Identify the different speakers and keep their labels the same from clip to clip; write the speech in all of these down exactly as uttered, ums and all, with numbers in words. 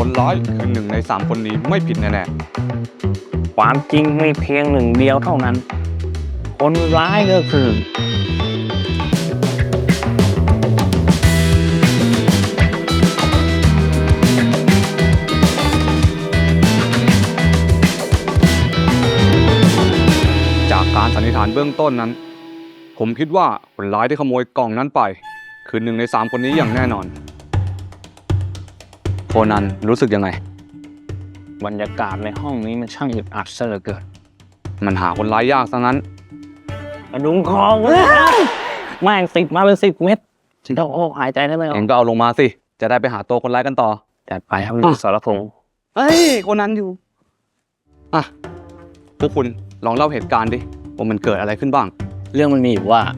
Speaker 1: คนร้ายคือหนึ่งในสามคนนี้ไม่ผิดแน่
Speaker 2: ความจริงมีเพียงหนึ่งเดียวเท่านั้นคนร้ายก็คือ
Speaker 1: ๆจากการสันนิษฐานเบื้องต้นนั้นผมคิดว่าคนร้ายที่ขโมยกล่องนั้นไปคือหนึ่งในสามคนนี้อย่างแน่นอนโคนันรู้สึกยังไง
Speaker 2: บรรยากาศในห้องนี้มันช่างอึดอัดซะเหลือเกิน
Speaker 1: มันหาคนร้ายยากซะงั้น
Speaker 2: กระดุมคอแม่งติดมาเป็นสิบเม็ดต้องโอ้หายใจได้เลย
Speaker 1: เองก็เอาลงมาสิจะได้ไปหาตัวคนร้ายกันต่อ
Speaker 2: จัดไปครับสรพงษ์
Speaker 1: เฮ้ยโคนันอยู่อ่ะพวกคุณลองเล่าเหตุการณ์ดิว่ามันเกิดอะไรขึ้นบ้าง
Speaker 2: เรื่องมันมีอยู่ว่า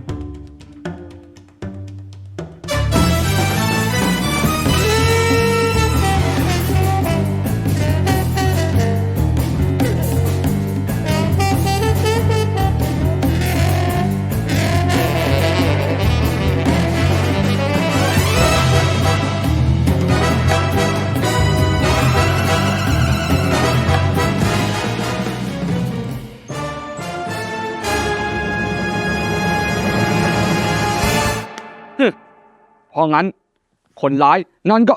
Speaker 1: เพราะงั้นคนร้ายนั่นก็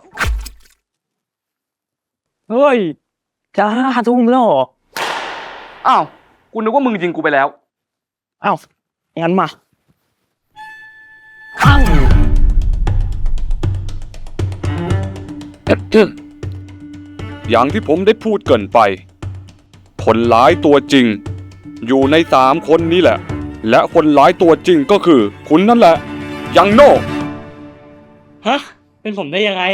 Speaker 2: เฮ้ยจะห้าทุ่มแล้วเหรอ
Speaker 1: อ้าวกูนึกว่ามึงยิงกูไปแล้ว
Speaker 2: อ้าวงั้นมาอ้าว
Speaker 1: อย่างที่ผมได้พูดเกินไปคนร้ายตัวจริงอยู่ในสามคนนี้แหละและคนร้ายตัวจริงก็คือคุณนั่นแหละยังโน่
Speaker 2: ฮะเป็นผมได้ยังไง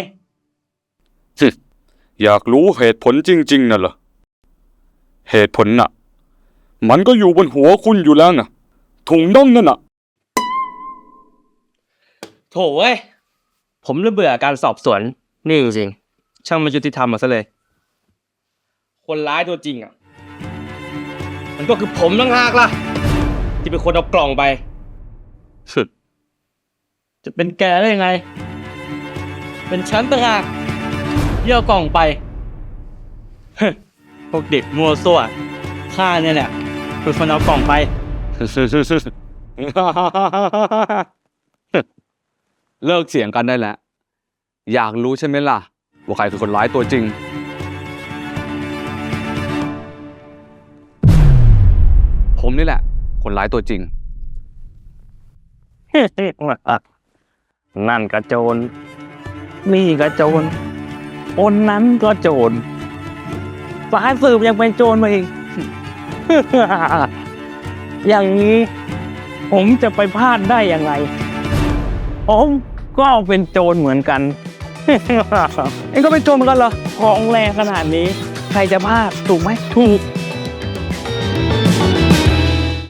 Speaker 1: อยากรู้เหตุผลจริงๆน่ะเหรอเหตุผลน่ะมันก็อยู่บนหัวคุณอยู่แล้วน่ะถุงน่องนั่นน่ะ
Speaker 2: โถ่เว้ยผมเริ่มเบื่อการสอบสวนนี่จริงช่างไม่ยุติธรรมมาซะเลยคนร้ายตัวจริงอ่ะมันก็คือผมต่างหากล่ะที่เป็นคนเอากล่องไป
Speaker 1: สุด
Speaker 2: จะเป็นแกได้ยังไงเป็นฉันต่างหากที่เอากล่องไปพวกเด็กมัวซั่วข้าเนี่ยแหละเป็นคนเอากล่องไป
Speaker 1: เลิกเสียงกันได้แล้วอยากรู้ใช่ไหมล่ะว่าใครคือคนร้ายตัวจริงผมนี่แหละคนร้ายตัวจริง
Speaker 2: นั่นก็โจรนี่ก็โจรคนนั้นก็โจรสายสืบยังเป็นโจรมาอีก อย่างนี้ผมจะไปพลาดได้ยังไงผมก็เป็นโจรเหมือนกัน เอ็งก็เป็นโจรเหมือนกันเหรอของแรงขนาดนี้ใครจะพลาดถูกไหมถูก